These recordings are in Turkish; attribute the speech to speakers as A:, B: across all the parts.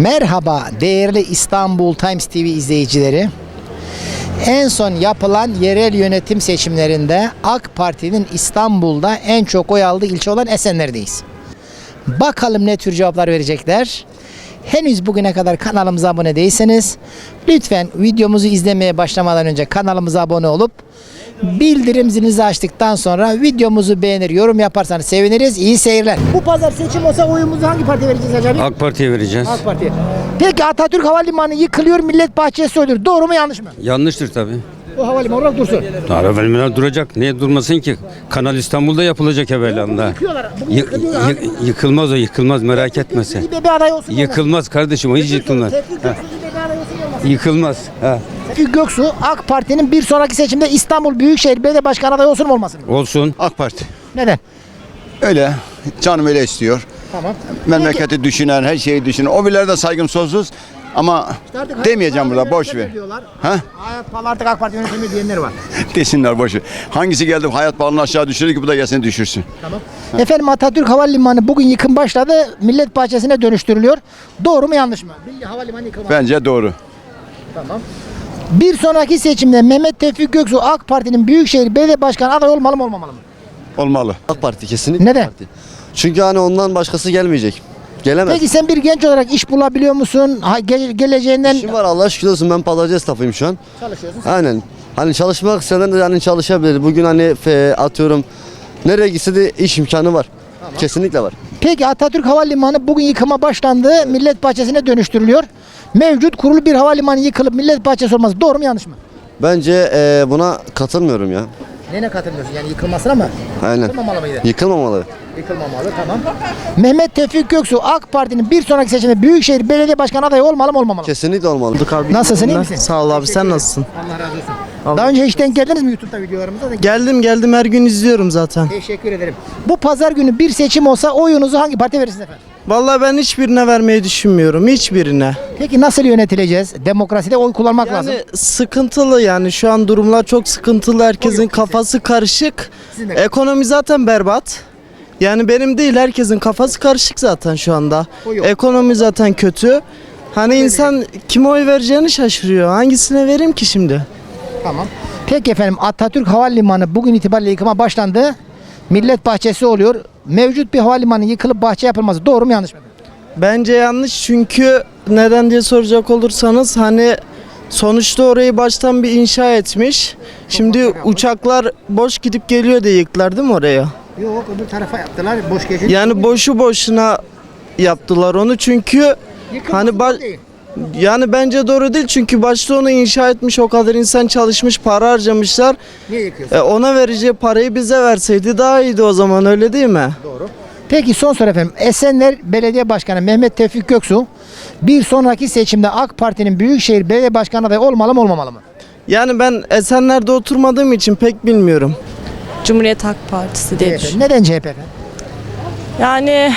A: Merhaba değerli İstanbul Times TV izleyicileri. En son yapılan yerel yönetim seçimlerinde AK Parti'nin İstanbul'da en çok oy aldığı ilçe olan Esenler'deyiz. Bakalım ne tür cevaplar verecekler. Henüz bugüne kadar kanalımıza abone değilseniz lütfen videomuzu izlemeye başlamadan önce kanalımıza abone olup bildirim zilinizi açtıktan sonra videomuzu beğenir, yorum yaparsanız seviniriz. İyi seyirler. Bu pazar seçim olsa oyumuzu hangi partiye vereceğiz acaba?
B: AK Parti'ye vereceğiz.
A: AK Parti'ye. Peki Atatürk Havalimanı yıkılıyor, Millet Bahçesi oluyor. Doğru mu yanlış mı?
B: Yanlıştır tabii.
A: O havalimanı olarak dursun.
B: Havalimanı duracak. Niye durmasın ki? Kanal İstanbul'da yapılacak evvelanda.
A: Yıkıyorlar. Bugün yıkılıyor abi.
B: Yıkılmaz o, yıkılmaz, merak etme sen.
A: İBB aday olsun.
B: Yıkılmaz kardeşim, o hiç yıkılmaz.
A: Tevfik
B: Ha,
A: Göksu İBB aday olsun olmasın.
B: Yıkılmaz. Ha.
A: Tevfik Göksu AK Parti'nin bir sonraki seçimde İstanbul Büyükşehir Belediye Başkanı adayı olsun mu olmasın mı?
B: Olsun.
C: AK Parti.
A: Neden?
C: Öyle. Canım öyle istiyor.
A: Tamam.
C: Memleketi düşünen, her şeyi düşünen. O birileri de saygım sonsuz. Ama
A: Artık
C: demeyeceğim
A: hayat
C: burada, boş
A: pahalı
C: ver.
A: diyorlar.
C: Ha?
A: Hayat pahalı artık AK Parti yönetimi diyenler var.
C: Desinler, boş ver. Hangisi geldi hayat pahalılığını aşağı düşürür ki bu da gelsin düşürsün.
A: Tamam. Efendim Atatürk Havalimanı bugün yıkım başladı. Millet Bahçesi'ne dönüştürülüyor. Doğru mu yanlış mı? Milli Havalimanı yıkılmadı.
C: Bence doğru.
A: Tamam. Bir sonraki seçimde Mehmet Tevfik Göksu AK Parti'nin Büyükşehir Belediye Başkanı adayı olmalı mı olmamalı mı?
C: Olmalı.
D: AK Parti kesinlikle.
A: Neden?
D: AK Parti. Çünkü hani ondan başkası gelmeyecek. Gelemez.
A: Peki sen bir genç olarak iş bulabiliyor musun? Geleceğinden
D: İşim var Allah şükür olsun, ben pazarcı esnafıyım şu an.
A: çalışıyorsun.
D: Aynen. Hani çalışmak isteyen de hani çalışabilir. Bugün hani atıyorum nereye gitse de iş imkanı var. Kesinlikle var.
A: Peki Atatürk Havalimanı bugün yıkıma başlandı. Millet Bahçesi'ne dönüştürülüyor. Mevcut kurulu bir havalimanı yıkılıp Millet Bahçesi olması doğru mu yanlış mı?
D: Bence buna katılmıyorum ya.
A: Nene katılmıyorsun? Yani yıkılmasına mı?
D: Aynen.
A: Yıkılmamalı mıydı?
D: Yıkılmamalı.
A: Yıkılmamalı, tamam. Mehmet Tevfik Göksu AK Parti'nin bir sonraki seçimde Büyükşehir Belediye Başkanı adayı olmalı mı olmamalı mı?
D: Kesinlikle olmalı.
A: Nasılsın, iyi misin?
E: Sağ ol abi, sen nasılsın?
A: Allah razı olsun. Daha önce hiç denk geldiniz mi YouTube'da videolarımıza?
E: Geldim her gün izliyorum zaten.
A: Teşekkür ederim. Bu pazar günü bir seçim olsa oyunuzu hangi partiye verirsiniz efendim?
E: Vallahi ben hiçbirine vermeyi düşünmüyorum, hiçbirine.
A: Peki nasıl yönetileceğiz? Demokraside oy kullanmak lazım.
E: Yani sıkıntılı, yani şu an durumlar çok sıkıntılı, herkesin kafası karışık.
A: Sizin de.
E: Ekonomi zaten berbat. Yani benim değil, herkesin kafası karışık zaten şu anda.
A: O yok.
E: Ekonomi zaten kötü. Hani insan kime oy vereceğini şaşırıyor. Hangisine vereyim ki şimdi?
A: Tamam. Peki efendim Atatürk Havalimanı bugün itibariyle yıkıma başlandı. Millet Bahçesi oluyor. Mevcut bir havalimanı yıkılıp bahçe yapılması doğru mu yanlış mı?
E: Bence yanlış, çünkü neden diye soracak olursanız hani sonuçta orayı baştan bir inşa etmiş. Şimdi uçaklar boş gidip geliyor diye yıktılar değil mi oraya?
A: Yok, öbür tarafa yaptılar. Boş geçin.
E: Yani boşu boşuna yaptılar onu, çünkü hani
A: değil.
E: yani bence doğru değil, çünkü başta onu inşa etmiş, o kadar insan çalışmış, para harcamışlar.
A: Niye yıkıyorsun?
E: Ona vereceği parayı bize verseydi daha iyiydi o zaman, öyle değil mi?
A: Doğru. Peki son soru efendim. Esenler Belediye Başkanı Mehmet Tevfik Göksu bir sonraki seçimde AK Parti'nin Büyükşehir Belediye Başkanı adayı olmalı mı olmamalı mı?
E: Yani ben Esenler'de oturmadığım için pek bilmiyorum.
F: Cumhuriyet Halk Partisi diye
A: CHP.
F: düşünüyorum.
A: Neden CHP efendim?
F: Yani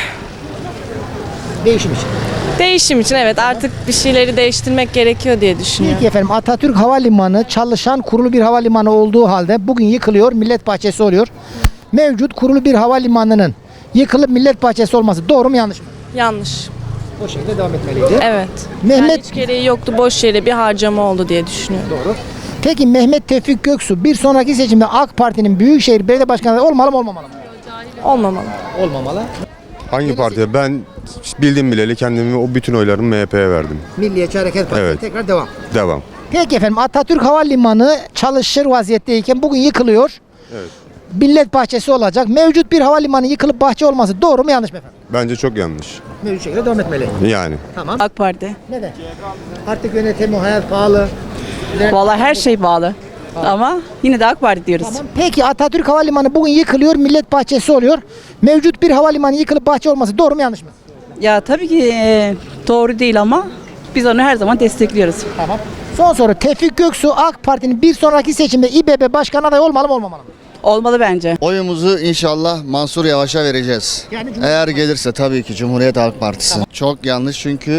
A: Değişim için.
F: değişim için evet, artık bir şeyleri değiştirmek gerekiyor diye düşünüyorum.
A: Peki efendim Atatürk Havalimanı çalışan kurulu bir havalimanı olduğu halde bugün yıkılıyor, Millet Bahçesi oluyor. Mevcut kurulu bir havalimanının yıkılıp Millet Bahçesi olması doğru mu yanlış mı?
F: Yanlış.
A: O şekilde devam etmeliydi.
F: Evet.
A: Mehmet
F: Yani hiç gereği yoktu, boş yere bir harcama oldu diye düşünüyorum.
A: doğru. Peki Mehmet Tevfik Göksu bir sonraki seçimde AK Parti'nin Büyükşehir Belediye Başkanı adayı olmalı mı olmamalı mı?
F: Olmamalı.
A: Olmamalı.
G: Hangi partiye? Ben bildim bileli kendimi o bütün oylarımı MHP'ye verdim.
A: Milliyetçi Hareket Partisi
G: Evet.
A: tekrar devam.
G: Devam.
A: Peki efendim Atatürk Havalimanı çalışır vaziyetteyken bugün yıkılıyor.
G: Evet.
A: Millet Bahçesi olacak. Mevcut bir havalimanı yıkılıp bahçe olması doğru mu yanlış mı efendim?
G: Bence çok yanlış.
A: Mevcut şekilde devam etmeli.
G: Yani.
A: Tamam.
H: AK Parti.
A: Neden? Artık yönetimi, hayat pahalı.
H: Vallahi her şey bağlı. Ama yine de AK Parti diyoruz.
A: Tamam. Peki Atatürk Havalimanı bugün yıkılıyor, Millet Bahçesi oluyor. Mevcut bir havalimanı yıkılıp bahçe olması doğru mu yanlış mı?
H: Ya tabii ki doğru değil ama biz onu her zaman destekliyoruz.
A: Tamam. Son soru. Tevfik Göksu AK Parti'nin bir sonraki seçimde İBB Başkanı adayı olmalı mı olmamalı mı?
H: Olmalı bence.
I: Oyumuzu inşallah Mansur Yavaş'a vereceğiz.
A: Yani
I: Eğer gelirse tabii ki Cumhuriyet Halk Partisi. Çok yanlış, çünkü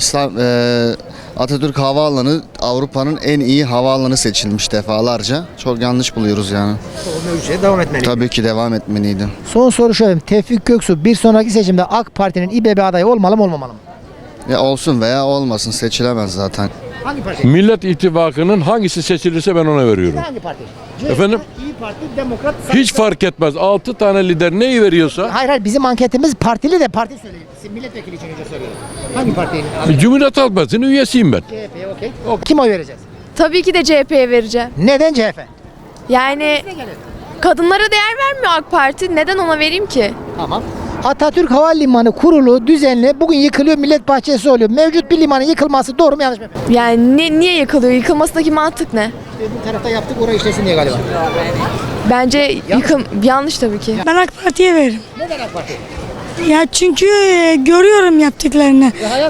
I: Atatürk Havaalanı Avrupa'nın en iyi havaalanı seçilmiş defalarca. Çok yanlış buluyoruz yani.
A: mevcut devam etmeli.
I: Tabii ki devam etmeliydi.
A: Son soru şu efendim. Tevfik Göksu bir sonraki seçimde AK Parti'nin İBB adayı olmalı mı olmamalı mı?
I: Ya olsun veya olmasın, seçilemez zaten.
A: Hangi parti?
J: Millet İttifakı'nın hangisi seçilirse ben ona veriyorum.
A: Hangi parti?
J: Efendim?
A: İyi Parti, Demokrat,
J: Hiç fark etmez. 6 tane lider neyi veriyorsa
A: Hayır bizim anketimiz partili de parti söyleyeyim. Siz milletvekili için önce soruyorum. Hangi partiyi?
J: Cumhuriyet Halk Partisi'nin üyesiyim ben.
A: CHP'ye okey. Kim oy vereceğiz?
K: Tabii ki de CHP'ye vereceğim.
A: Neden CHP?
K: Yani kadınlara değer vermiyor AK Parti. Neden ona vereyim ki?
A: Tamam. Atatürk Havalimanı kurulu, düzenli bugün yıkılıyor, millet bahçesi oluyor. Mevcut bir limanın yıkılması doğru mu yanlış mı?
K: Yani niye yıkılıyor? Yıkılmasındaki mantık ne?
A: Bir tarafta yaptık oraya işlesin diye galiba.
K: Bence yanlış tabii ki.
L: Ben AK Parti'ye veririm.
A: Neden AK Parti?
L: Ya çünkü görüyorum yaptıklarını.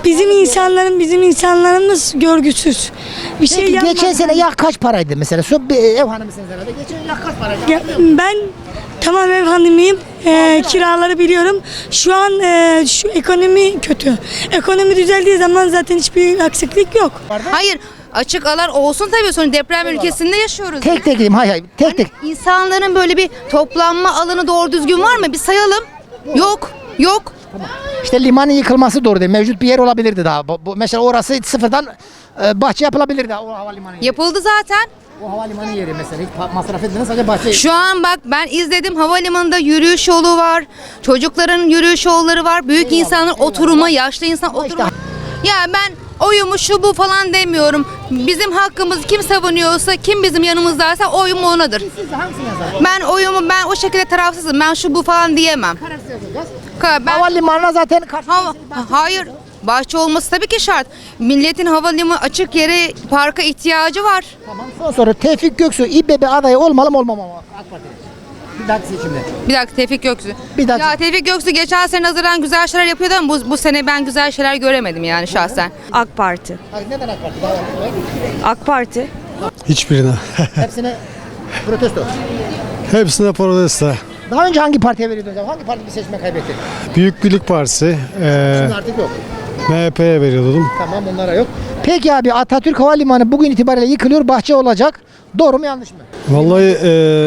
L: Bizim insanlarımız görgüsüz. Bir şey
A: Peki
L: yapmaz.
A: geçen sene yak kaç paraydı mesela? Şu bir ev hanımısınız herhalde. Geçen yak kaç paraydı?
L: Ya, ben tamam ev hanımıyım. Kiraları biliyorum. Şu an şu ekonomi kötü. Ekonomi düzeldiği zaman zaten hiçbir aksaklık yok.
M: Hayır, açık alan olsun tabii, sonra deprem ülkesinde yaşıyoruz.
A: Tek tek diyeyim, hayır tek tek.
M: İnsanların böyle bir toplanma alanı doğru düzgün var mı? Bir sayalım. Yok.
A: İşte limanın yıkılması doğru değil. Mevcut bir yer olabilirdi daha. Mesela orası sıfırdan bahçe yapılabilirdi o havalimanı yeri.
M: Yapıldı zaten.
A: O havalimanı yeri mesela hiç masraf edilmeden sadece bahçe.
M: Şu an bak ben izledim, havalimanında yürüyüş yolu var. Çocukların yürüyüş yolları var. Büyük insanların oturuma, yaşlı insan oturuma. Ya ben oyumu şu bu falan demiyorum. Bizim hakkımızı kim savunuyorsa, kim bizim yanımızdaysa oyum onadır.
A: Siz hangisini yazar?
M: Ben o şekilde tarafsızım. Ben şu bu falan diyemem.
A: Kararsız yazacağız.
M: Ben,
A: Havalimanına zaten karşı.
M: hayır. Bahçe olması tabii ki şart. Milletin havalimanı açık yere, parka ihtiyacı var.
A: Tamam. Son soru Tevfik Göksu İBB adayı olmalı mı olmamalı mı AK Parti'de? Bir dahaki seçimde.
M: Bir dakika, Tevfik Göksu.
A: Bir dakika.
M: Ya Tevfik Göksu geçen sene nazaran güzel şeyler yapıyordu ama bu sene ben güzel şeyler göremedim yani şahsen.
H: AK Parti.
A: Neden AK Parti?
H: AK Parti.
G: Hiçbirine.
A: Hepsine protesto.
G: Hepsine protesto.
A: Daha önce hangi partiye veriyordunuz? Hangi parti bir seçme kaybetti?
G: Büyük Birlik Partisi,
A: Şimdi artık yok.
G: MHP'ye veriyordum.
A: Tamam onlara yok. Peki abi Atatürk Havalimanı bugün itibariyle yıkılıyor, bahçe olacak. Doğru mu yanlış mı?
G: Vallahi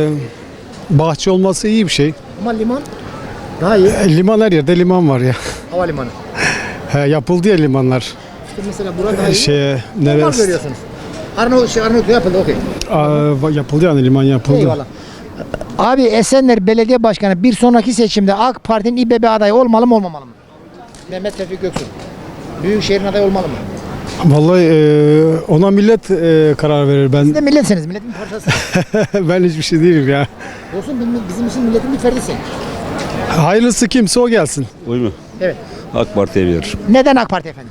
G: bahçe olması iyi bir şey.
A: Ama liman daha iyi.
G: Liman her yerde liman var ya.
A: Havalimanı.
G: Yapıldı ya limanlar.
A: İşte mesela burada daha iyi. Normal
G: Neresi?
A: görüyorsunuz. Arnavut yapıldı okey.
G: Yapıldı yani liman yapıldı.
A: Eyvallah. Abi Esenler Belediye Başkanı bir sonraki seçimde AK Parti'nin İBB adayı olmalı mı olmamalı mı? Mehmet Tevfik Göksu. Büyükşehir'in adayı olmalı mı?
G: Vallahi ona millet karar verir.
A: Siz de milletsiniz, milletin bir parçasısınız.
G: Ben hiçbir şey değilim ya.
A: Olsun bizim için milletin bir ferdisin.
G: Hayırlısı kimse o gelsin.
B: Uy mu?
A: Evet.
B: AK Parti'ye verir.
A: Neden AK Parti efendim?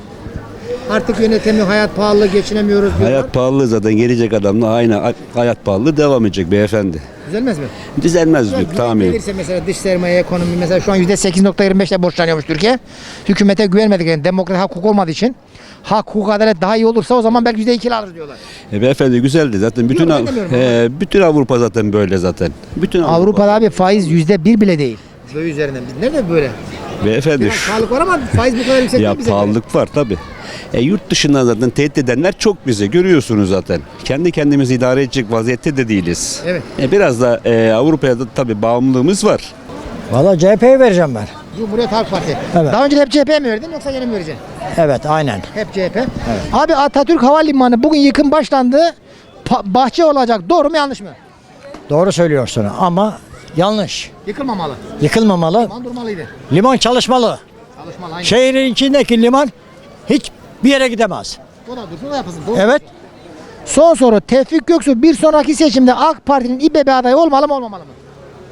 A: Artık yönetemiyor, hayat pahalı, geçinemiyoruz diyorlar.
B: Hayat pahalı zaten, gelecek adamla aynı hayat pahalı devam edecek beyefendi.
A: Düzelmez mi?
B: Düzelmez diyor tahmin.
A: Gelirse mesela dış sermaye, ekonomi mesela şu an %8.25'le borçlanıyormuş Türkiye. Hükümete güvenmedik yani demokrat hak hukuk olmadığı için. Hak hukuk adalet daha iyi olursa o zaman belki %2'li alır diyorlar.
B: Beyefendi güzeldi zaten. Bütün
A: Yok, ben demiyorum
B: bütün Avrupa zaten böyle zaten. Bütün
A: Avrupa'da abi faiz %1 bile değil. Böyle üzerinden. Biz nerede böyle?
B: Beyefendi
A: Biraz pahalılık var ama faiz bu kadar yüksek
B: ya
A: değil bize.
B: pahalılık var tabi. Yurt dışından zaten tehdit edenler çok bize, görüyorsunuz zaten. Kendi kendimizi idare edecek vaziyette de değiliz.
A: Evet.
B: Biraz da Avrupa'ya da tabi bağımlılığımız var.
E: Valla CHP'ye vereceğim ben.
A: Cumhuriyet Halk Partisi.
E: Evet.
A: Daha önce hep CHP'ye mi verdin yoksa yeni mi vereceksin?
E: Evet aynen.
A: Hep CHP. Abi Atatürk Havalimanı bugün yıkım başlandı. Bahçe olacak. Doğru mu yanlış mı?
E: Doğru söylüyorsun ama yanlış.
A: Yıkılmamalı.
E: Yıkılmamalı.
A: Liman durmalıydı.
E: Liman çalışmalı.
A: Çalışmalı aynı.
E: Şehrin içindeki liman hiç bir yere gidemez.
A: O da dursun o yapılsın. Doğru.
E: Evet.
A: Son soru. Tevfik Göksu bir sonraki seçimde AK Parti'nin İBB adayı olmalı mı olmamalı mı?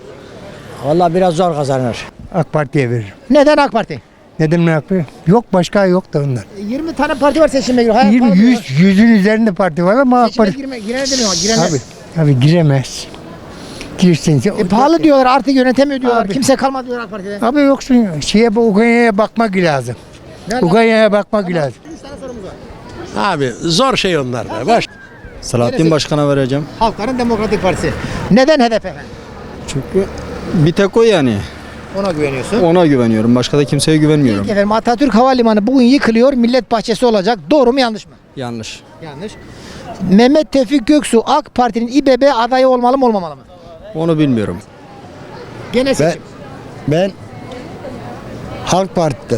E: Valla biraz zor kazanır.
N: AK Parti'ye veririm.
A: Neden AK Parti?
N: Neden AK Parti? Yok başka yok da onlar.
A: 20 tane parti var seçime giriyor. Hayat
N: 20,
A: pahalı diyorlar.
N: 100'ün üzerinde parti var ama AK
A: Seçime
N: Parti...
A: girene demiyor. Girenler.
N: Tabii giremez. Girsin.
A: Pahalı diyorlar artık yönetemiyor diyorlar.
N: Abi.
A: Kimse kalmadı diyorlar AK Parti'de.
N: Abi yoksun Ukrayna'ya bakmak lazım. Ukrayna'ya bakmak lazım.
A: 3 tane sorumuz var.
E: Abi zor şey onlar da. Baş.
A: Selahattin
E: Başkan'a vereceğim.
A: Halkların Demokratik Partisi. Neden HDP efendim?
E: Çünkü bir tek o yani.
A: Ona güveniyorsun.
E: Ona güveniyorum. Başka da kimseye güvenmiyorum.
A: Peki efendim Atatürk Havalimanı bugün yıkılıyor. Millet bahçesi olacak. Doğru mu yanlış mı?
E: Yanlış.
A: Yanlış. Mehmet Tevfik Göksu AK Parti'nin İBB adayı olmalı mı olmamalı mı?
E: Onu bilmiyorum.
A: Gene seçim.
N: Ben Halk Parti'deyim.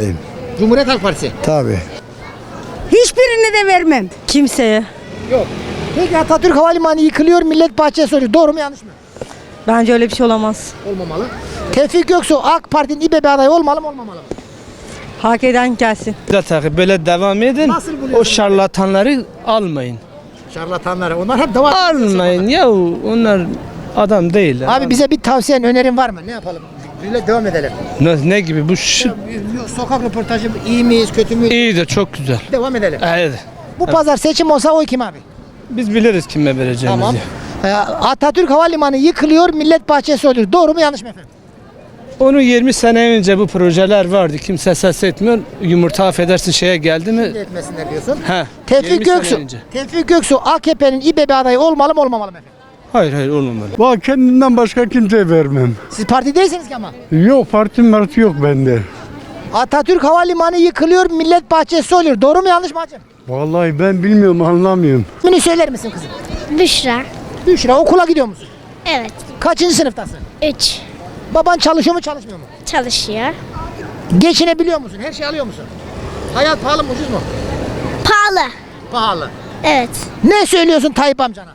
A: Cumhuriyet Halk Partisi.
N: Tabii.
L: Hiçbirini de vermem.
H: Kimseye.
A: Yok. Peki Atatürk Havalimanı yıkılıyor, millet bahçesi oluyor. Doğru mu yanlış mı?
H: Bence öyle bir şey olamaz.
A: Olmamalı. Tevfik Göksu AK Parti'nin İBB adayı olmalı mı olmamalı mı?
H: Hak eden gelsin.
E: Böyle devam edin.
A: Nasıl buluyorsun?
E: O şarlatanları almayın.
A: Şarlatanları onlar hep devam.
E: Almayın ya, onlar adam değil.
A: Abi bize bir tavsiyen, önerin var mı? Ne yapalım? Böyle devam edelim.
E: Ne gibi bu
A: Sokak röportajı iyi miyiz, kötü müyüz?
E: iyi de çok güzel.
A: Devam edelim.
E: Evet.
A: Bu pazar seçim olsa oy kim abi?
E: Biz biliriz kime vereceğimizi.
A: Tamam. Atatürk Havalimanı yıkılıyor, millet bahçesi oluyor. Doğru mu yanlış mı efendim?
E: Onu 20 sene önce bu projeler vardı. Kimse ses etmiyor. Yumurta affedersin şeye geldi mi?
A: Etmesinler diyorsun.
E: He.
A: Tevfik
E: 20 sene
A: Göksu.
E: önce.
A: Tevfik Göksu AKP'nin İBB adayı olmalı mı olmamalı mı efendim?
E: Hayır olmamalı.
N: Bak kendimden başka kimseye vermem.
A: Siz parti değilsiniz ki ama.
N: Yok parti yok bende.
A: Atatürk Havalimanı yıkılıyor, millet bahçesi oluyor. Doğru mu yanlış mı hacım?
N: Vallahi ben bilmiyorum anlamıyorum.
A: İsmini söyler misin kızım?
K: Büşra.
A: Büşra, okula gidiyor musun?
K: Evet.
A: Kaçıncı sınıftasın?
K: 3.
A: Baban çalışıyor mu çalışmıyor mu?
K: Çalışıyor.
A: Geçinebiliyor musun? Her şey alıyor musun? Hayat pahalı mı ucuz mu?
K: Pahalı.
A: Pahalı.
K: Evet.
A: Ne söylüyorsun Tayyip amcana?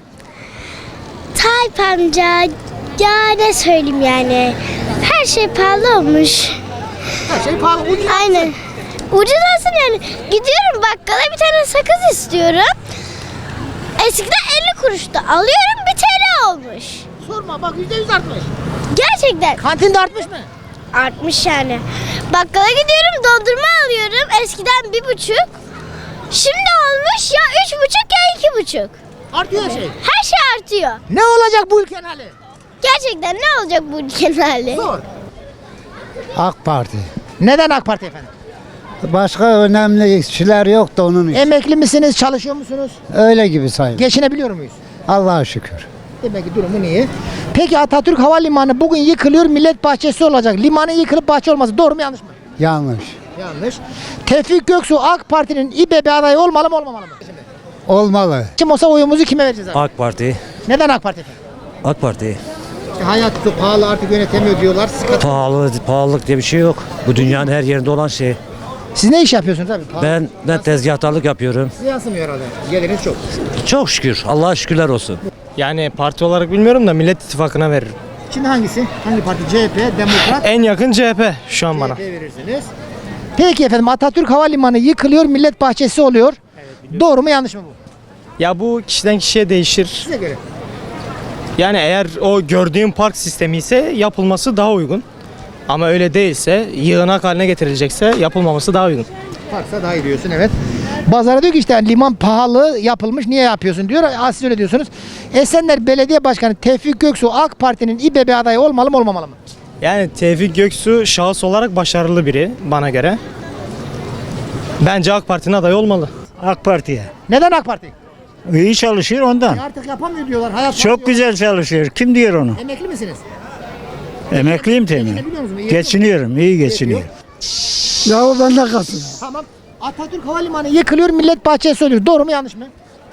K: Tayyip amca, ya ne söyleyeyim yani. Her şey pahalı olmuş.
A: Her şey pahalı, ucuz.
K: Aynen. Ucuz olsun yani. Gidiyorum bakkala, bir tane sakız istiyorum. Eskiden 50 kuruştu. Alıyorum, 1 TL olmuş.
A: Sorma bak, %100 artmış.
K: Gerçekten.
A: Kantinde artmış mı?
K: Artmış yani. Bakkala gidiyorum, dondurma alıyorum. Eskiden 1,5. Şimdi olmuş ya 3,5 ya 2,5.
A: Artıyor her şey.
K: Her şey artıyor.
A: Ne olacak bu ülkenin hali?
K: Gerçekten ne olacak bu ülkenin hali?
A: Zor.
N: AK Parti.
A: Neden AK Parti efendim?
N: Başka önemli kişiler yok da onun için.
A: Emekli misiniz, çalışıyor musunuz?
N: Öyle gibi sayın.
A: Geçinebiliyor muyuz?
N: Allah'a şükür.
A: Demek ki durumun iyi. Peki Atatürk Havalimanı bugün yıkılıyor, millet bahçesi olacak. Limanın yıkılıp bahçe olması doğru mu yanlış mı?
N: Yanlış.
A: Yanlış. Tevfik Göksu AK Parti'nin İBB adayı olmalı mı olmamalı mı?
N: Olmalı.
A: Kim olsa oyumuzu kime vereceğiz abi?
O: AK Parti.
A: Neden AK Parti efendim?
O: AK Parti.
A: Hayat çok pahalı, artık yönetemiyor diyorlar.
O: Pahalılık diye bir şey yok. Bu dünyanın her yerinde olan şey.
A: Siz ne iş yapıyorsunuz abi? Pahalı.
O: Ben tezgahtarlık yapıyorum.
A: Size yansımıyor herhalde. Geliriniz çok.
O: Çok şükür. Allah'a şükürler olsun.
E: Yani parti olarak bilmiyorum da Millet İttifakı'na veririm.
A: Şimdi hangisi? Hangi parti? CHP, Demokrat?
E: En yakın CHP şu an bana.
A: CHP verirsiniz. Peki efendim, Atatürk Havalimanı yıkılıyor, millet bahçesi oluyor. Doğru mu yanlış mı bu?
E: Ya bu kişiden kişiye değişir.
A: Size göre.
E: Yani eğer o gördüğün park sistemi ise yapılması daha uygun. Ama öyle değilse, yığınak haline getirilecekse yapılmaması daha uygun.
A: Parksa daha iyi diyorsun, evet. Bazara diyor ki işte liman pahalı yapılmış, niye yapıyorsun diyor. Siz öyle diyorsunuz. Esenler Belediye Başkanı Tevfik Göksu AK Parti'nin İBB adayı olmalı mı olmamalı mı?
E: Yani Tevfik Göksu şahıs olarak başarılı biri bana göre. Bence AK Parti'nin adayı olmalı.
N: AK Parti'ye.
A: Neden AK Parti?
N: İyi çalışıyor ondan.
A: Artık yapamıyor diyorlar. Hayat
N: Çok güzel çalışıyor. Kim diyor onu?
A: Emekli misiniz?
N: Emekliyim temin.
A: Geçinebiliyor musunuz? İyi
N: Geçiniyorum, iyi geçiniyorum. Ya o bende kalsın.
A: Tamam. Atatürk Havalimanı yıkılıyor, millet bahçesi oluyor. Doğru mu yanlış mı?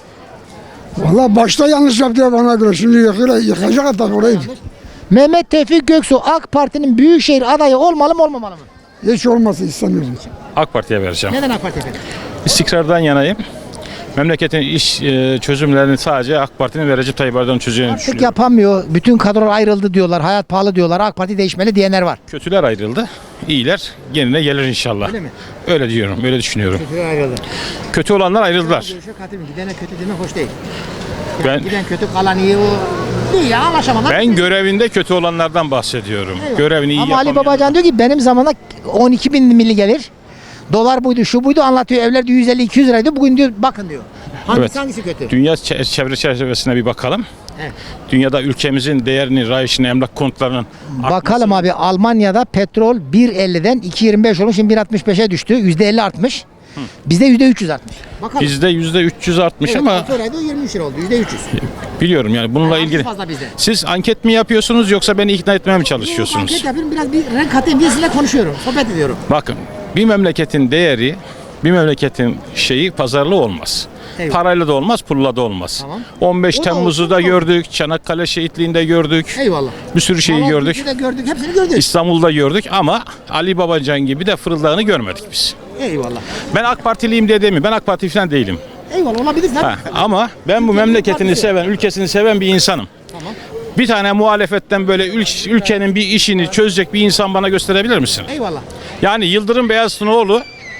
N: Valla başta yanlış yaptı bana göre. Şimdi yıkacak hatta orayı.
A: Mehmet Tevfik Göksu AK Parti'nin büyükşehir adayı olmalı mı olmamalı mı?
N: Hiç olmasın istemiyorum.
J: AK Parti'ye vereceğim.
A: Neden AK Parti efendim?
J: İstikrardan yanayım. Memleketin iş çözümlerini sadece AK Parti'nin ve Recep Tayyip Erdoğan'ın çözeceğini
A: Artık
J: düşünüyorum.
A: yapamıyor. Bütün kadrolar ayrıldı diyorlar. Hayat pahalı diyorlar. AK Parti değişmeli diyenler var.
J: Kötüler ayrıldı. İyiler yerine gelir inşallah.
A: Öyle mi?
J: Öyle diyorum, öyle düşünüyorum.
A: Kötüler ayrıldı.
J: Kötü olanlar ayrıldılar.
A: Görüşe katılın. Gidene kötü demek hoş değil.
J: Ben
A: Giden kötü, kalan iyi o. İyi ya, anlaşamadılar.
J: ben görevinde kötü olanlardan bahsediyorum.
A: Eyvallah.
J: Görevini iyi
A: Ama Ali
J: yapamayan.
A: Babacan diyor ki benim zamanımda 12 bin milli gelir. Dolar buydu, şu buydu anlatıyor. Evler diyor 150-200 liraydı. Bugün diyor bakın diyor. Hangisi kötü?
J: Dünya çevre çerçevesine bir bakalım.
A: Evet.
J: Dünyada ülkemizin değerini, rayışını, emlak kontlarının
A: Bakalım abi, Almanya'da petrol 1.50'den 2.25 olmuş, şimdi 1.65'e düştü. %50 artmış. Bizde %300 artmış. Bakalım.
J: bizde %300 artmış
A: Evet,
J: ama
A: 6 ayda 23 lira oldu. %300.
J: biliyorum yani bununla
A: Yani
J: ilgili.
A: fazla bizde.
J: Siz anket mi yapıyorsunuz yoksa beni ikna etmeye mi
A: Anket
J: çalışıyorsunuz?
A: yapıyorum, biraz bir renk katayım diye sizinle konuşuyorum. Sohbet ediyorum.
J: Bakın bir memleketin değeri, bir memleketin şeyi pazarlığı olmaz.
A: Eyvallah.
J: Parayla da olmaz, pulla da olmaz.
A: Tamam.
J: 15
A: O da
J: Temmuz'u
A: olsun,
J: da
A: o da
J: gördük, Çanakkale şehitliğinde gördük.
A: Eyvallah.
J: Bir sürü şeyi gördük.
A: Malazgirt'i de gördük. Hepsini gördük.
J: İstanbul'da gördük ama Ali Babacan gibi de fırıldağını görmedik biz.
A: Eyvallah.
J: Ben AK Partiliyim diye demiyorum. Ben AK Parti falan değilim.
A: Eyvallah olabilir.
J: Ha, ama ben bu memleketini seven, ülkesini seven bir insanım.
A: Tamam.
J: Bir tane muhalefetten böyle ülkenin bir işini çözecek bir insan bana gösterebilir misin?
A: Eyvallah.
J: Yani Yıldırım Beyazıt'ın oğlu,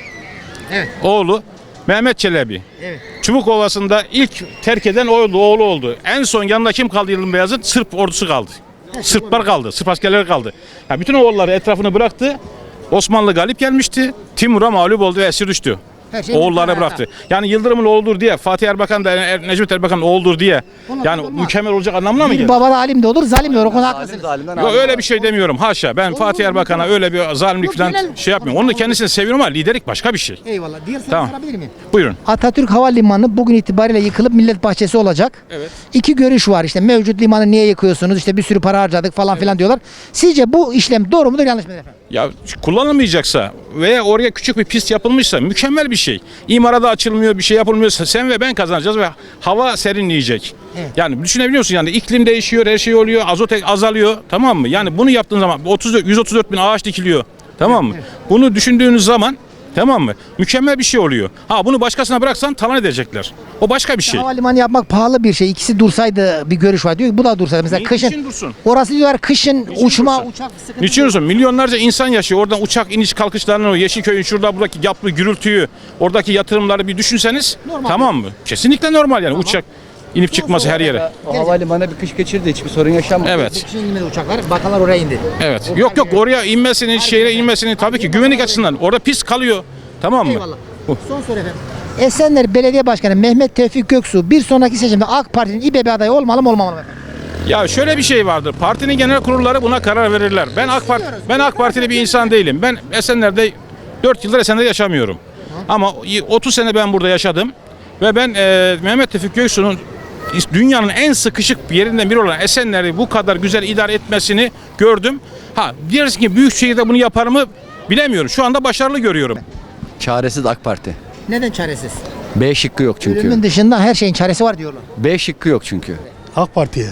A: Evet.
J: oğlu Mehmet Çelebi.
A: Evet.
J: Çubukovası'nda ilk terk eden oğlu oldu. En son yanında kim kaldı Yıldırım Beyazıt? Sırp ordusu kaldı. Sırplar kaldı, Sırp askerleri kaldı. Ya bütün oğulları etrafını bıraktı. Osmanlı galip gelmişti. Timur'a mağlup oldu ve esir düştü.
A: Her şey
J: Oğulları
A: mükemmel.
J: bıraktı. Yani Yıldırım'ın oğludur diye, Fatih Erbakan da Necmet Erbakan'ın oğludur diye. Yani
A: olmaz.
J: mükemmel olacak anlamına mı
A: Bir
J: gelir?
A: baba da alim de olur, zalim de olur. O konuda haklısınız.
J: Yok öyle bir şey demiyorum. Haşa. Ben Fatih Erbakan'a öyle bir zalimlik
A: Yok,
J: falan
A: genel-
J: şey yapmıyorum. Onu da kendisini seviyorum ama liderlik başka bir şey.
A: Eyvallah. Diğer soru
J: Tamam.
A: sorabilir miyim?
J: Buyurun.
A: Atatürk Havalimanı bugün itibariyle yıkılıp millet bahçesi olacak.
J: Evet.
A: İki görüş var işte, mevcut limanı niye yıkıyorsunuz, işte bir sürü para harcadık falan filan diyorlar. Sizce bu işlem doğru mudur, yanlış mıdır efendim?
J: Ya kullanılmayacaksa veya oraya küçük bir pist yapılmışsa mükemmel bir şey. İmara da açılmıyor, bir şey yapılmıyorsa sen ve ben kazanacağız ve hava serinleyecek.
A: Evet.
J: Yani düşünebiliyorsun yani iklim değişiyor, her şey oluyor, azot azalıyor, tamam mı? Yani bunu yaptığın zaman 134 bin ağaç dikiliyor, tamam mı? Bunu düşündüğünüz zaman, tamam mı? Mükemmel bir şey oluyor. Ha bunu başkasına bıraksan talan edecekler. O başka bir şey.
A: Havalimanı yapmak pahalı bir şey. İkisi dursaydı bir görüş var diyor ki bu da dursaydı. Mesela kışın.
J: Niçin dursun?
A: Orası diyorlar kışın uçma,
J: dursun?
A: uçak sıkıntı.
J: Niçin olsun? Milyonlarca insan yaşıyor. Oradan uçak iniş kalkışlarını, o Yeşilköy'ün şurada buradaki yaplı gürültüyü, oradaki yatırımları bir düşünseniz
A: Normal.
J: tamam mı? Kesinlikle normal yani uçak inip çıkması her yere.
D: O havalimanı bir kış geçirdi, hiçbir sorun yaşamadı.
J: Evet.
A: Kışın inmedi uçaklar. Bakanlar oraya indi.
J: Evet. Yok oraya inmesini, şehre inmesini tabii ki güvenlik açısından. Orada pis kalıyor. Tamam mı?
A: Eyvallah. Son soru efendim. Esenler Belediye Başkanı Mehmet Tevfik Göksu bir sonraki seçimde AK Parti'nin İBB adayı olmalı mı olmamalı mı efendim?
J: Ya şöyle bir şey vardır. Partinin genel kurulları buna karar verirler. Ben AK Partili bir insan değilim. Ben Esenler'de 4 yıldır Esenler'de yaşamıyorum. Ama 30 sene ben burada yaşadım ve ben Mehmet Tevfik Göksu'nun dünyanın en sıkışık yerinden biri olan Esenler'i bu kadar güzel idare etmesini gördüm. Ha diyorsun ki büyük şehirde bunu yapar mı bilemiyorum. Şu anda başarılı görüyorum.
D: Çaresiz AK Parti.
A: Neden çaresiz?
D: B şıkkı yok çünkü.
A: Ölümün dışında her şeyin çaresi var diyorlar.
D: B şıkkı yok çünkü.
N: AK Parti'ye.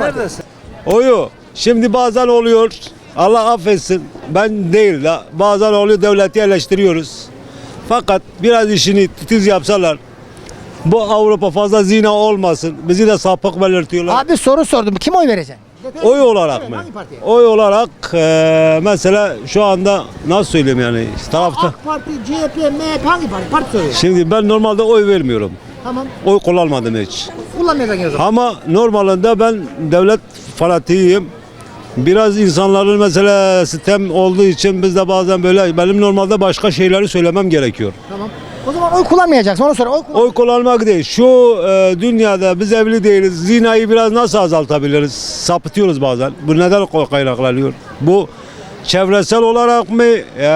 G: Oyu. Şimdi bazen oluyor. Allah affetsin. Ben değil de bazen oluyor, devleti eleştiriyoruz. Fakat biraz işini titiz yapsalar, bu Avrupa fazla zina olmasın. Bizi de sapık belirtiyorlar.
A: Abi soru sordum. Kim oy vereceksin?
G: Oy olarak mı?
A: Hangi partiye?
G: Oy olarak mesela şu anda nasıl söyleyeyim yani tarafta.
A: AK Parti, CHP, MHP hangi parti? Parti soruyor.
G: Şimdi ben normalde oy vermiyorum.
A: Tamam.
G: Oy kullanmadım hiç.
A: Kullanmayacaksın o zaman.
G: Ama normalinde ben devlet fanatiyim. Biraz insanların mesela sistem olduğu için biz de bazen böyle benim normalde başka şeyleri söylemem gerekiyor.
A: Tamam. O zaman oy kullanmayacaksın. Onu sonra
G: Oy kullanmak değil. Şu dünyada biz evli değiliz. Zinayı biraz nasıl azaltabiliriz? Sapıtıyoruz bazen. Bu neden kaynaklanıyor? Bu çevresel olarak mı?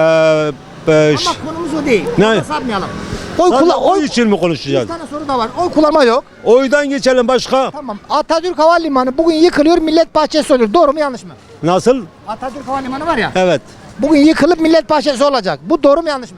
A: Ama konumuz o değil.
G: Ne?
A: Ona sapmayalım.
G: Oy için mi
A: Bir
G: konuşacağız?
A: tane soru da var. Oy kullanma yok.
G: Oydan geçelim başka.
A: Tamam. Atatürk Havalimanı bugün yıkılıyor, millet bahçesi oluyor. Doğru mu yanlış mı?
G: Nasıl?
A: Atatürk Havalimanı var ya.
G: Evet.
A: Bugün yıkılıp millet bahçesi olacak. Bu doğru mu yanlış mı?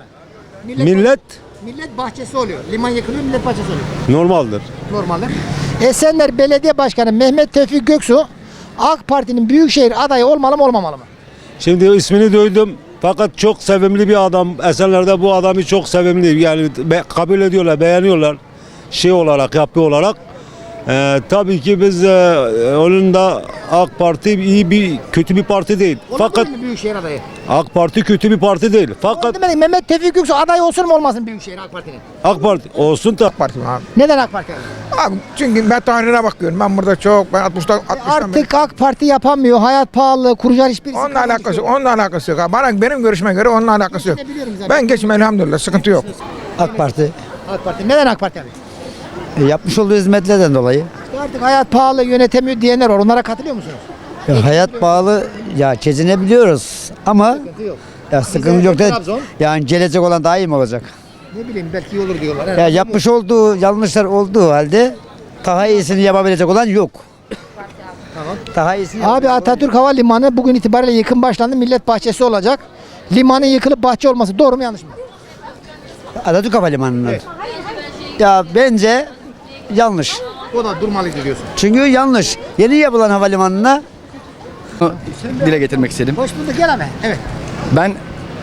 A: Millet bahçesi oluyor. Liman yıkılıyor, millet bahçesi oluyor.
G: Normaldir.
A: Normaldir. Esenler Belediye Başkanı Mehmet Tevfik Göksu AK Parti'nin büyükşehir adayı olmalı mı olmamalı mı?
G: Şimdi ismini duydum. Fakat çok sevimli bir adam. Esenler'de bu adamı çok sevimli. Yani kabul ediyorlar, beğeniyorlar. Şey olarak, yapı olarak. Tabii ki biz onun da AK Parti iyi bir kötü bir parti değil. Fakat
A: mi büyükşehir adayı?
G: AK Parti kötü bir parti değil. Fakat
A: Demedim, Mehmet Tevfik Göksu aday olsun mu olmasın büyükşehir AK Parti'nin?
G: AK Parti olsun da
N: Parti abi.
A: Neden AK Parti?
N: Abi çünkü ben tarihine bakıyorum. Ben burada çok, ben 60'tan
A: Artık AK Parti yapamıyor. Hayat pahalı, kuracak hiçbir
N: Onunla alakası yok. Benim görüşme göre onunla alakası yok. Ben geçim elhamdülillah, sıkıntı yok.
D: AK Parti.
A: AK Parti. Neden AK Parti abi?
D: Yapmış olduğu hizmetlerden dolayı.
A: İşte artık hayat pahalı, yönetemiyor diyenler var. Onlara katılıyor musunuz?
D: Hayat pahalı, ya çezinebiliyoruz ama
A: Yok.
D: ya sıkıntı yok da
A: Trabzon.
D: yani gelecek olan daha iyi mi olacak?
A: Ne bileyim belki iyi olur diyorlar.
D: Ya yapmış olduğu yanlışlar olduğu halde daha iyisini yapabilecek olan yok.
A: Tamam.
D: Daha iyisini
A: Abi Atatürk Havalimanı bugün itibariyle yıkım başlandı. Millet bahçesi olacak. Limanın yıkılıp bahçe olması doğru mu yanlış mı?
D: Atatürk Havalimanı'nın.
A: Evet.
D: Ya bence yanlış.
A: O da durmalıydı diyorsun.
D: Çünkü yanlış. Yeni yapılan havalimanına
P: Dile getirmek istedim.
A: Hoş bulduk, gel abi. Evet.
P: Ben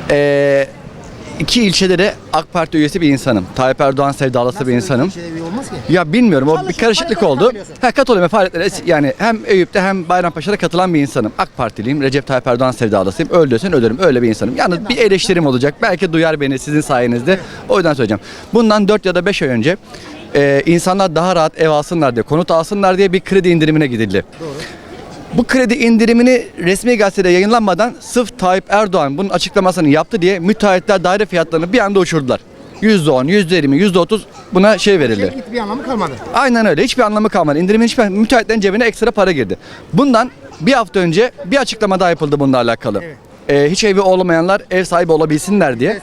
P: iki ilçede de AK Parti üyesi bir insanım. Tayyip Erdoğan sevdalısı bir insanım.
A: Olmaz ki.
P: Ya bilmiyorum, o bir karışıklık
A: faaliyete
P: oldu.
A: katılıyorsun.
P: Katılıyorum faaliyetlere yani hem Eyüp'te hem Bayrampaşa'da katılan bir insanım. AK Partiliyim, Recep Tayyip Erdoğan sevdalısıyım. Öldürsen ölürüm, öyle bir insanım. Yani bir eleştirim olacak. Belki duyar beni sizin sayenizde. O yüzden söyleyeceğim. Bundan 4 ya da 5 ay önce insanlar daha rahat ev alsınlar diye, konut alsınlar diye bir kredi indirimine gidildi. Doğru. Bu kredi indirimini resmi gazetede yayınlanmadan sırf Tayyip Erdoğan bunun açıklamasını yaptı diye müteahhitler daire fiyatlarını bir anda uçurdular. %10, %20, %30 buna verildi.
A: Bir anlamı kalmadı.
P: Aynen öyle. Hiçbir anlamı kalmadı. İndirimin hiçbir müteahhitlerin cebine ekstra para girdi. Bundan bir hafta önce bir açıklama daha yapıldı bununla alakalı.
A: Evet.
P: Hiç evi olmayanlar ev sahibi olabilsinler diye.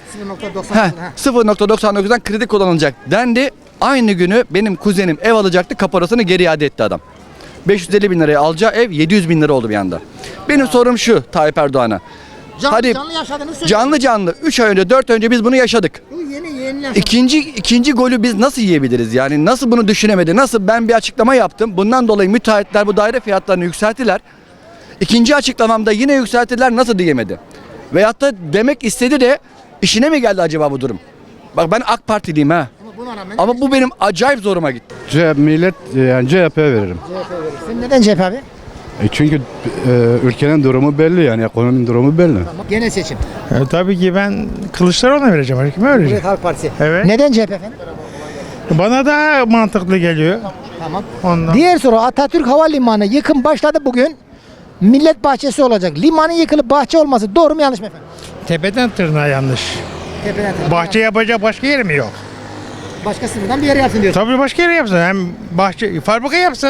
P: 0.99'dan kredi kullanılacak dendi. Aynı günü benim kuzenim ev alacaktı, kaparasını geri iade etti adam. 550 bin liraya alacağı ev 700 bin lira oldu bir anda. Benim sorum şu Tayyip Erdoğan'a.
A: Canlı yaşadığını söylüyorsun.
P: Canlı 3 ay önce 4 ay önce biz bunu yaşadık.
A: Bu yeni yaşadık.
P: İkinci golü biz nasıl yiyebiliriz yani nasıl bunu düşünemedi, nasıl ben bir açıklama yaptım, bundan dolayı müteahhitler bu daire fiyatlarını yükselttiler. İkinci açıklamamda yine yükselttiler, nasıl diyemedi. Veyahut da demek istedi de işine mi geldi acaba bu durum? Bak ben AK Partiliyim ha. Ama bu benim acayip zoruma gitti.
G: Millet yani CHP veririm.
A: Sen neden CHP abi?
G: Çünkü ülkenin durumu belli yani ekonominin durumu belli.
A: Genel seçim.
N: Tabii ki ben Kılıçdaroğlu'na vereceğim. Kime vereceğim?
A: Cumhuriyet Halk Partisi.
N: Evet.
A: Neden CHP efendim?
N: Bana da mantıklı geliyor.
A: Tamam.
N: Ondan.
A: Diğer soru, Atatürk Havalimanı yıkım başladı bugün. Millet bahçesi olacak. Limanın yıkılıp bahçe olması doğru mu yanlış mı efendim?
N: Tepeden tırnağa yanlış.
A: Tepeden tırnağa.
N: Bahçe yapacak başka yer mi yok?
A: Başka sınırdan bir yere yapsın diyorsun.
N: Tabii başka yere yapsın. Hem bahçe, fabrika yapsın.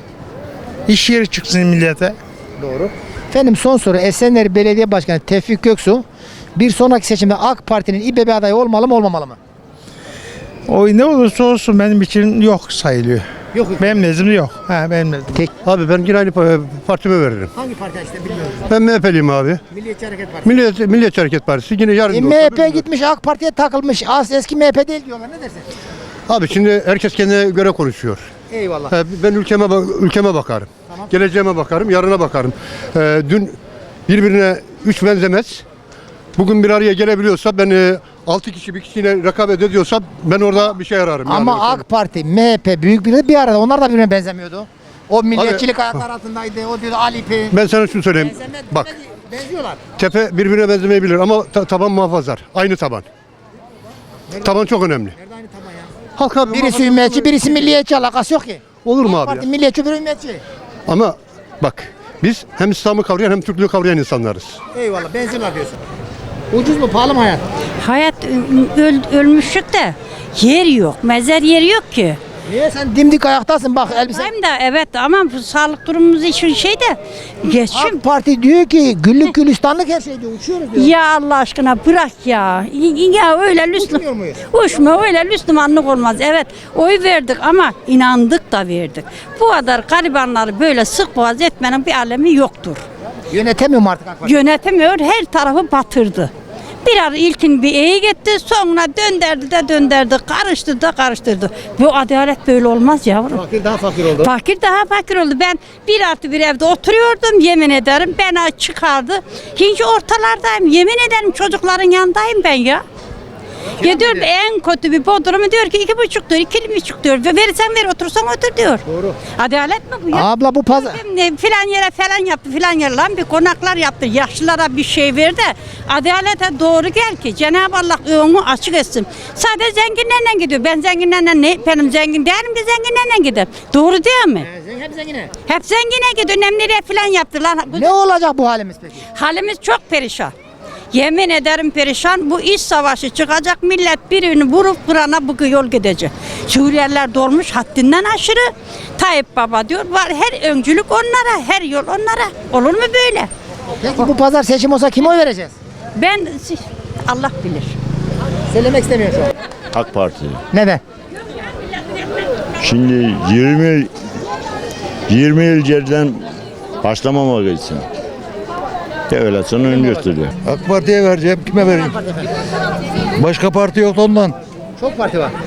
N: İş yeri çıksın millete.
A: Doğru. Efendim son soru, Esenler Belediye Başkanı Tevfik Göksu bir sonraki seçimde AK Parti'nin İBB adayı olmalı mı olmamalı mı?
N: O ne olursa olsun benim için yok sayılıyor.
A: Yok.
N: Benim nezdimde yok. Benim nezdimde.
G: Abi ben yine aynı partime veririm.
A: Hangi parti işte bilmiyorum.
G: Ben MHP'liyim abi.
A: Milliyetçi Hareket Partisi.
G: Milliyetçi Hareket Partisi yine yarın.
A: MHP gitmiş AK Parti'ye takılmış. Eski MHP değil diyorlar. Ne dersin?
G: Abi şimdi herkes kendine göre konuşuyor.
A: Eyvallah.
G: Ben ülkeme bakarım.
A: Tamam.
G: Geleceğime bakarım, yarına bakarım. Dün birbirine üç benzemez. Bugün bir araya gelebiliyorsa ben 6 kişi bir kişiyle rekabet ediyorsa ben orada bir şey ararım.
A: Ama
G: yani.
A: AK Parti, MHP büyük bir arada. Onlar da birbirine benzemiyordu. O milliyetçilik ayaklar altındaydı. O diyordu Alipi.
G: Ben sana şunu söyleyeyim. Bak.
A: Benziyorlar.
G: Tepe birbirine benzemeyebilir ama taban muhafazar. Aynı taban. Taban çok önemli.
A: Nerede aynı taban ya?
G: Halk abi,
A: Birisi ümmetçi, birisi milliyetçi, alakası yok ki.
G: olur mu
A: AK
G: abi
A: Parti
G: ya?
A: milliyetçi, biri ümmetçi.
G: Ama bak biz hem İslam'ı kavrayan hem Türklüğü kavrayan insanlarız.
A: Eyvallah, benziyorlar diyorsun. Ucuz mu, pahalı mı hayat?
H: Hayat ölmüşlük de yer yok. Mezar yeri yok ki.
A: Niye sen dimdik ayaktasın bak elbise.
H: Hem de evet ama bu sağlık durumumuz için geçim.
A: AK Parti diyor ki güllük gülistanlık her şey diyor, uçuyoruz diyor.
H: Ya Allah aşkına bırak ya. Ya öyle
A: Uçmuyor muyuz?
H: Uçma öyle Müslümanlık olmaz. Evet oy verdik ama inandık da verdik. Bu kadar garibanları böyle sık boğaz etmenin bir alemi yoktur.
A: Yönetemiyor mu artık AK Parti?
H: Yönetemiyor, her tarafı batırdı. Birer ilkin bir iyi gitti, sonra dönderdi, karıştırdı. Bu adalet böyle olmaz yavrum.
A: Fakir daha fakir oldu.
H: Fakir daha fakir oldu. Ben 1+1 evde oturuyordum, yemin ederim. Beni çıkardı. Hinci ortalardayım, yemin ederim çocukların yanındayım ben ya. Ya diyor en kötü bir bodrumu diyor ki 2,5 diyor, 2,5 diyor. Verirsen ver, otursan otur diyor.
A: Doğru.
H: Adalet mi bu ya?
A: Abla bu pazar.
H: Filan yere falan yaptı, filan yere lan bir konaklar yaptı. Yaşlılara bir şey verdi. Adalete doğru gel ki Cenab-ı Allah onu açık etsin. Sadece zenginlerle gidiyor. Ben zenginlerle ne? Benim zengin değilim ki zenginlerle gider. Doğru değil mi?
A: Hep zengine.
H: Hep zengine gidiyor. Nemlere falan yaptılar.
A: Ne olacak bu halimiz peki?
H: Halimiz çok perişan. Yemin ederim perişan. Bu iç savaşı çıkacak. Millet birini vurup kırana bu yol gidecek. Suriyeliler dolmuş haddinden aşırı. Tayyip Baba diyor. Var her öncülük onlara. Her yol onlara. Olur mu böyle?
A: Peki bu pazar seçim olsa kime oy vereceğiz?
H: Allah bilir.
A: Söylemek istemiyorum şu an.
C: AK Parti.
A: Neden?
C: Şimdi 20 yıl geriden başlamamak için. Devletin ön gösteriyor.
N: AK Parti'ye vereceğim. Kime vereyim? Başka parti yok ondan.
A: Çok parti var.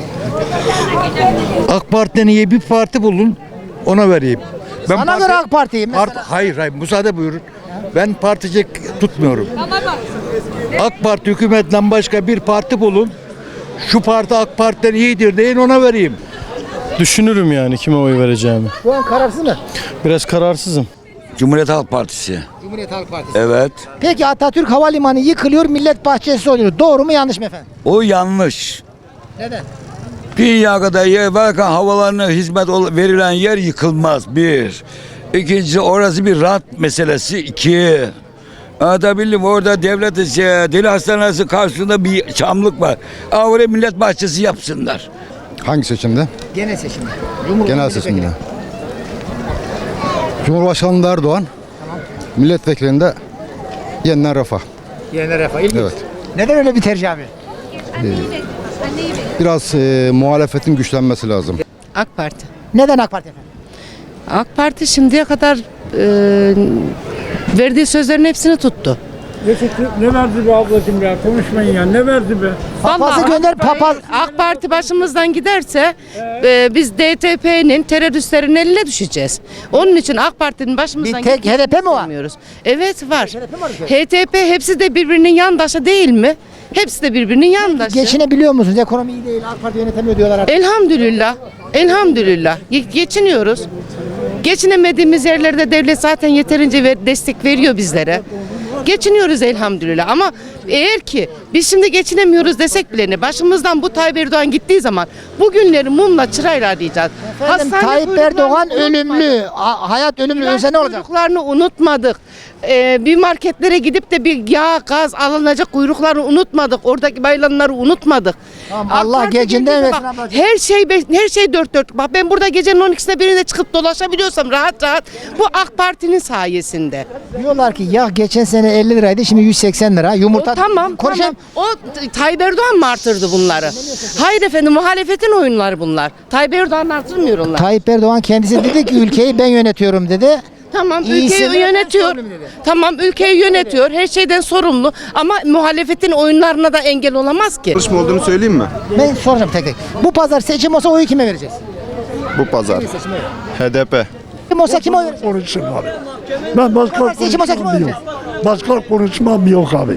Q: AK Parti'den iyi bir parti bulun, ona vereyim.
A: Sana göre AK Parti'yim mesela.
Q: Hayır, müsaade buyurun. Ben partici tutmuyorum. AK Parti hükümetinden başka bir parti bulun. Şu parti AK Parti'den iyidir deyin, ona vereyim.
R: Düşünürüm yani kime oy vereceğimi.
A: Şu an kararsız mı?
R: Biraz kararsızım.
C: Cumhuriyet Halk Partisi.
A: Cumhuriyet Halk Partisi.
C: Evet.
A: Peki Atatürk Havalimanı yıkılıyor, millet bahçesi oluyor. Doğru mu yanlış mı efendim?
C: O yanlış.
A: Neden?
C: Dünya kadar yer varken havalarına hizmet verilen yer yıkılmaz. Bir. İkincisi orası bir rant meselesi. İki. Anlatabildim, orada devlet deli hastanesi karşısında bir çamlık var. Oraya millet bahçesi yapsınlar.
Q: Hangi seçimde?
A: Genel seçimde.
Q: Genel seçimde. Cumhurbaşkanı Erdoğan, milletvekilinde Yeniden Refah.
A: Yeniden Refah. İlginç.
Q: Evet.
A: Neden öyle bir tercih abi?
Q: Biraz muhalefetin güçlenmesi lazım.
S: AK Parti.
A: Neden AK Parti efendim?
S: AK Parti şimdiye kadar verdiği sözlerin hepsini tuttu.
G: Ne verdi be ablacığım ya? Konuşmayın ya. Ne verdi be?
A: Papazı gönder, papaz.
S: AK Parti başımızdan giderse biz DTP'nin teröristlerin eline düşeceğiz. Onun için AK Parti'nin başımızdan
A: Bir tek HDP mi var?
S: istemiyoruz. Evet var. HDP hepsi de birbirinin yandaşı değil mi? Hepsi de birbirinin yandaşı.
A: Geçinebiliyor musunuz? Ekonomi iyi değil, AK Parti yönetemiyor diyorlar artık.
S: Elhamdülillah. Elhamdülillah. Geçiniyoruz. Geçinemediğimiz yerlerde devlet zaten yeterince destek veriyor bizlere. Geçiniyoruz elhamdülillah ama eğer ki biz şimdi geçinemiyoruz desek bile ne, başımızdan bu Tayyip Erdoğan gittiği zaman bugünleri mumla çırayla arayacağız.
A: Efendim, Tayyip Erdoğan ölümlü, hayat ölümlü ölse ne olacak?
S: Kuyruklarını unutmadık. Bir marketlere gidip de bir yağ, gaz alınacak kuyruklarını unutmadık. Oradaki bayılanları unutmadık.
A: Tamam,
S: AK
A: Allah
S: Parti
A: gecinden
S: gelince
A: versin
S: bak,
A: ablacığım.
S: her şey dört dört. Bak ben burada gecenin 12'sinde birinde çıkıp dolaşabiliyorsam rahat rahat bu AK Parti'nin sayesinde.
A: Diyorlar ki ya geçen sene 50 liraydı, şimdi 180 lira. Yumurta.
S: O tamam.
A: Konuşalım.
S: O Tayyip Erdoğan mı artırdı bunları? Hayır efendim, muhalefetin oyunları bunlar. Tayyip Erdoğan artırmıyor onlar.
A: Tayyip Erdoğan kendisi dedi ki ülkeyi ben yönetiyorum dedi.
S: Tamam,
A: İyisi
S: ülkeyi
A: de-
S: yönetiyor. Tamam, ülkeyi yönetiyor. Her şeyden sorumlu ama muhalefetin oyunlarına da engel olamaz ki.
Q: Çalışma olduğunu söyleyeyim mi?
A: Ben soracağım tek tek. Bu pazar seçim olsa oyu kime vereceğiz?
Q: Bu pazar. HDP.
A: Kim olsa kime oy vereceğiz?
R: Konuşmam abi. Ben başka
A: Seçim olsa kime oy vereceğiz?
R: Başka konuşmam yok abi.